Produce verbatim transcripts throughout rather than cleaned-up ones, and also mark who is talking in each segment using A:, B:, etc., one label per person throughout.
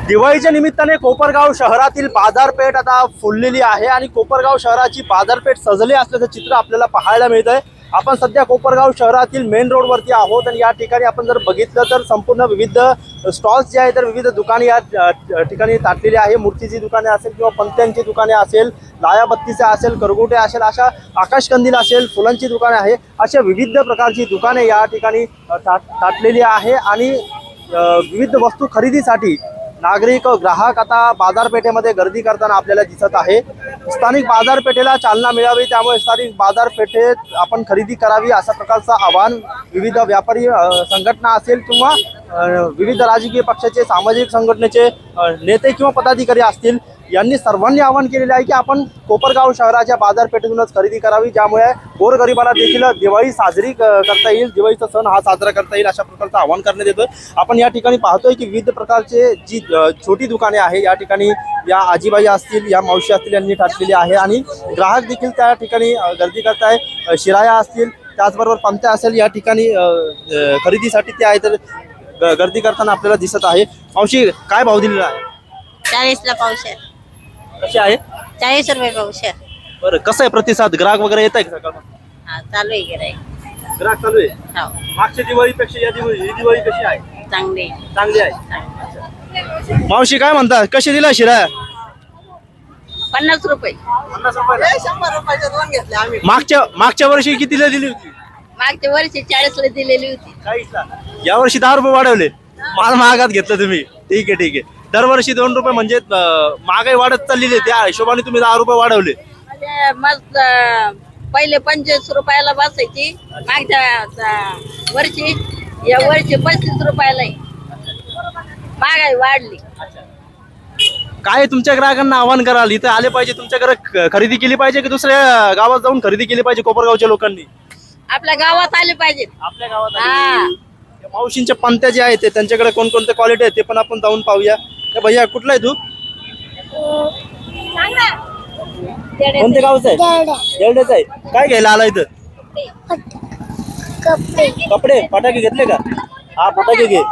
A: दिवाळीच्या निमित्ताने कोपरगाव शहरातील बाजारपेठ आता फुललेली आहे आणि कोपरगाव शहराची बाजारपेठ सजली असल्याचं चित्र आपल्याला पाहायला मिळतंय। आपण सध्या कोपरगाव शहरातील मेन रोड वरती आहोत आणि या ठिकाणी आपण जर बघितलं तर संपूर्ण विविध स्टॉल्स जे आहेत तर विविध दुकाने या ठिकाणी ताटलेली आहे। मूर्तीची दुकाने असेल किंवा पंत्यांची दुकाने असेल, लायाबत्तीचे असेल, करगोटे असेल, अशा आकाशकंदील असेल, फुलांची दुकाने आहे, अशा विविध प्रकारची दुकाने या ठिकाणी ताटलेली आहे आणि विविध वस्तू खरेदीसाठी नागरिक ग्राहक आता बाजारपेठेमध्ये गर्दी करताना आपल्याला दिसत आहे। स्थानिक बाजारपेठेला चालना मिळावी त्यामुळे स्थानिक बाजारपेठेत आपण खरेदी करावी अशा प्रकारचं आवाहन विविध व्यापारी संघटना असेल किंवा विविध राजकीय पक्षाचे, सामाजिक संघटनेचे नेते किंवा पदाधिकारी असतील यांनी सर्वांनी आवाहन केलेले आहे की आपण कोपरगाव शहराच्या बाजारपेठेतूनच खरेदी करावी, ज्यामुळे गोरगरिबाला देखील दिवाळी साजरी करता येईल, दिवाळीचा सण हा साजरा करता येईल अशा प्रकारचं आवाहन करण्यात येतं। आपण या ठिकाणी पाहतोय की विविध प्रकारचे जी छोटी दुकाने आहे या ठिकाणी या आजीबाई असतील, या मावशी असतील यांनी टाकलेली आहे आणि ग्राहक देखील त्या ठिकाणी गर्दी करत आहे। शिराया असतील, त्याचबरोबर पंत्या असेल, या ठिकाणी खरेदीसाठी ते आहे तर गर्दी करताना आपल्याला दिसत आहे। मावशी, काय भाव दिलेला आहे?
B: चाळीसला पावशेर।
A: कसे आहे?
B: चाळीस रुपये पावशेर।
A: बरं, कसं आहे प्रतिसाद? ग्राहक वगैरे येत आहे का सकाळ?
B: हा, चालू आहे गिराईक।
A: ग्राहक चालू आहे?
B: हो,
A: मागच्या दिवाळीपेक्षा या दिवाळी ही दिवाळी कशी आहे?
B: चांगली
A: चांगली आहे। मावशी, काय म्हणता, कशी दिला शिराया?
B: पन्नास रुपये।
A: पन्नास रुपये?
B: शंभर रुपयाचे दोन घेतले आम्ही।
A: मागच्या मागच्या वर्षी कितीला दिली होती?
B: मागच्या वर्षी चाळीसला दिलेली होती।
A: चाळीसला। या वर्षी दहा रुपये वाढवले, माल महागात घेतलं तुम्ही। ठीक आहे ठीक आहे, दरवर्षी दोन रुपये म्हणजे महागाई वाढत चाललेली, त्या हिशोबाने तुम्ही दहा रुपये वाढवले।
B: म्हणजे मस्त पहिले पंचवीस रुपयाला बसायची, मागच्या वर्षी या वर्षी पस्तीस रुपयाला महागाई वाढली।
A: काय तुमच्या ग्राहकांना आवाहन कराल? इथं आले पाहिजे, तुमच्याकडे खरेदी केली पाहिजे की दुसऱ्या गावात जाऊन खरेदी केली पाहिजे? कोपरगावच्या लोकांनी
B: आपल्या गावात आले पाहिजे।
A: आपल्या गावात
B: हा,
A: मावशींच्या पंत्या जे आहेत त्यांच्याकडे कोणकोणते क्वालिटी आहेत ते पण आपण जाऊन पाहूया। भैया, कुठला आहे तू? कोणत्या गावचा आहे? येरड्याचा आहे। काय घ्यायला आला इथं? कपडे, फटाके घेतले का? हा, फटाके घे।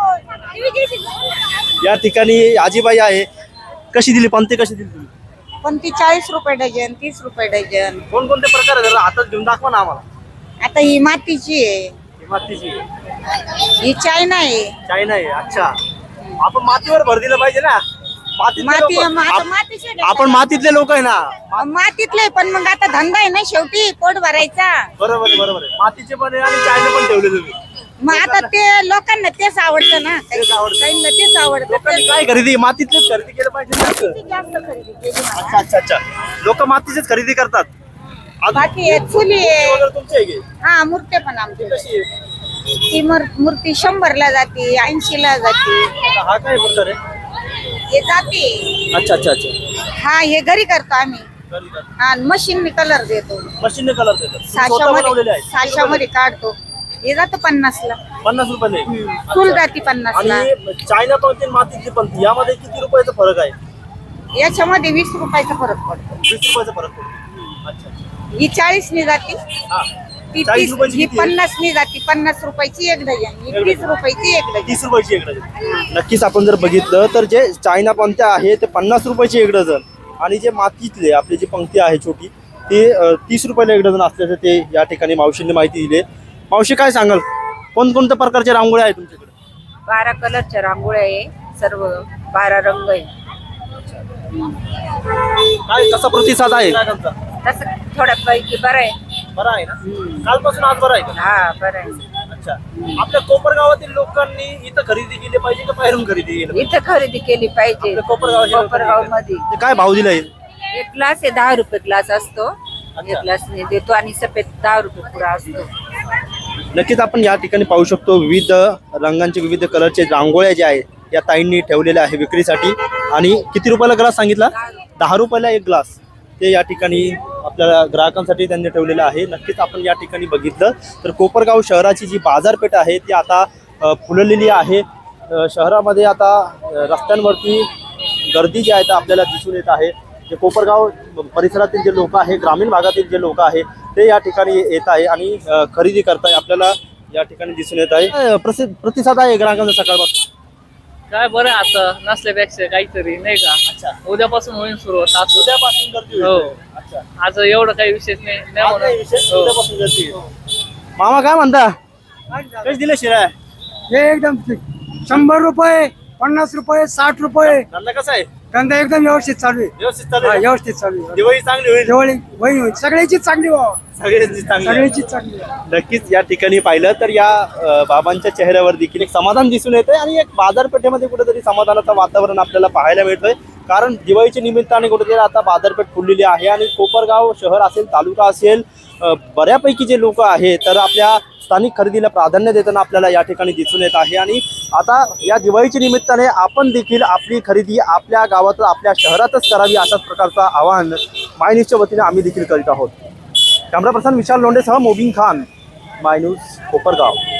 A: या ठिकाणी आजीबाई आहे। कशी दिली पंते? कशी दिली तुम्ही?
B: पण ती चाळीस रुपये डझन, तीस रुपये डझन।
A: कोणकोणते प्रकार आहे? जरा हातात घेऊन दाखवा ना आम्हाला।
B: आता ही मातीची आहे,
A: ही मातीची आहे,
B: ही चायना आहे।
A: चायना आहे। अच्छा, आपण मातीवर भर दिलं पाहिजे ना। मातीतले
B: माती
A: लोकं-
B: आता
A: आप-
B: मातीचे
A: आपण मातीतले लोक आहे ना।
B: मातीतले, पण मग आता धंदा आहे ना शेवटी, पोट भरायचा।
A: बरोबर आहे, बरोबर आहे। मातीचे पण आहे आणि चायना पण ठेवले तुम्ही।
B: मग आता ते लोकांना तेच आवडतं ना,
A: तेच आवडतं.
B: काहींना तेच आवडतं।
A: लोकांनी काय खरेदी? मातीतलीच खरेदी केलं पाहिजे ना असं?
B: ती जास्त खरेदी केली मला।
A: अच्छा अच्छा अच्छा, लोक मातीचीच खरेदी करतात। अजून
B: बाकी हे चुली आहे।
A: वगैरे तुमची आहे की?
B: हा, मूर्ती पण आमची।
A: कशी आहे?
B: ती मूर- मूर्ती शंभरला जाते, ऐंशीला जाते।
A: हा काय प्रकार आहे?
B: हे जाते।
A: अच्छा अच्छा अच्छा,
B: हा, हे घरी करतो आम्ही। हा, मशीनने कलर देतो,
A: मशीनने कलर देतात? तुम्ही स्वतः बनवलेले
B: साशामध्ये
A: आहे?
B: साशामध्ये काढतो। हे जातं पन्नासला,
A: पन्नास रुपये
B: फुल जाती पन्नासला।
A: आणि चायना पंथी आणि मातीतली पंथी यामध्ये किती रुपयाचा फरक आहे?
B: याच्यामध्ये वीस रुपयाचा फरक पडतो।
A: वीस रुपयाचा फरक पडतो। अच्छा अच्छा,
B: ही चाळीसनी जाते,
A: हा,
B: ती
A: चाळीस
B: तीस,
A: रुपयाची
B: ही
A: किती आहे?
B: पन्नासनी जाते। पन्नास रुपयाची एक डझन, ही तीस रुपयाची एक डझन।
A: तीस रुपयाची एक डझन। नक्कीच आपण जर बघितलं तर जे चायना पंथ्या आहे ते पन्नास रुपयाची एक डझन आणि जे मातीतले आपली जी पंक्ती आहे छोटी ते तीस रुपयाला एक डझन असल्याचं ते या ठिकाणी मावशींनी माहिती दिली। मावशी, काय सांगाल, कोणकोणत्या प्रकारच्या रांगोळ्या आहेत तुमच्याकडे?
B: बारा कलरच्या रांगोळ्या आहे, सर्व बारा रंग आहे।
A: काय कसा प्रतिसाद आहे?
B: तसं थोड्यापैकी बरं आहे।
A: बरं आहे ना? कालपासून आज बरं आहे का?
B: हा, बरं आहे।
A: अच्छा, आपल्या कोपरगावातील लोकांनी इथं खरेदी केली पाहिजे का बाहेरून खरेदी केली पाहिजे?
B: इथं खरेदी केली पाहिजे।
A: आपल्या कोपरगावच्या
B: कोपरगाव मध्ये
A: ते काय भाव दिला येईल?
B: एक ग्लास आहे, दहा रुपये ग्लास असतो। एक ग्लास देतो आणि सफेद दहा रुपये पुरा असतो।
A: नक्कीच आपण या ठिकाणी पाहू शकतो विविध रंगांचे, विविध कलरचे रांगोळ्या ज्या आहेत या ताईंनी ठेवलेल्या आहे विक्रीसाठी। आणि किती रुपयाला ग्लास सांगितला? दहा रुपयाला एक ग्लास ते या ठिकाणी आपल्याला ग्राहकांसाठी त्यांनी ठेवलेलं आहे। नक्कीच आपण या ठिकाणी बघितलं तर कोपरगाव शहराची जी बाजारपेठ आहे ती आता फुललेली आहे। शहरामध्ये आता रस्त्यांवरती गर्दी जी आहे आपल्याला दिसून येत आहे। जे कोपरगाव परिसरातील जे लोक आहे, ग्रामीण भागातील जे लोक आहे ते या ठिकाणी येत आहे आणि खरेदी करताय आपल्याला या ठिकाणी दिसून येत आहे। प्रतिसाद आहे ग्राहकांचा सकाळपासून?
C: काय बरं आहे आता नसल्यापेक्षा काहीतरी नाही का.
A: अच्छा.
C: उद्यापासून होईल सुरुवात आज.
A: उद्यापासून गर्दी होईल.
C: हो.
A: अच्छा.
C: आज एवढं काही विशेष नाही नाही
A: आज काही विशेष,
C: म्हणून. हो.
A: उद्यापासून गर्दी होईल. मामा काय म्हणता कशी दिले शिरा
D: हे एकदम शंभर रुपये पन्नास रुपये साठ रुपये
A: धंदा कसा आहे
D: धंदा एकदम व्यवस्थित चालू आहे.
A: व्यवस्थित चालू
D: हा,
A: आहे?
D: व्यवस्थित चालू आहे.
A: दिवाळी चांगली होईल
D: दिवाळी होईल होईल सगळ्याचीच चांगली व्हावं.
A: सगळ्यांची चांगली आहे.
D: सगळ्याचीच चांगली व्हावं.
A: नक्कीच या ठिकाणी पाहिलं तर या अ, बाबांच्या चेहऱ्यावर देखील एक समाधान दिसून येतंय आणि एक बाजारपेठेमध्ये कुठेतरी समाधानाचं वातावरण आपल्याला पाहायला मिळतंय. कारण दिवाळीच्या निमित्ताने कुठेतरी आता बाजारपेठ फुललेली आहे आणि कोपरगाव शहर असेल तालुका असेल अ, बऱ्यापैकी जे लोक आहेत तर आपल्या स्थानिक खरेदीला प्राधान्य देताना आपल्याला या ठिकाणी दिसून येत आहे. आणि आता या दिवाळीच्या निमित्ताने आपण देखील आपली खरेदी आपल्या गावात आपल्या शहरातच करावी अशाच प्रकारचं आवाहन माय न्यूजच्या वतीने आम्ही देखील करीत आहोत. कॅमेरा पर्सन विशाल लोंढेसह मोबिन खान, माय न्यूज कोपरगाव.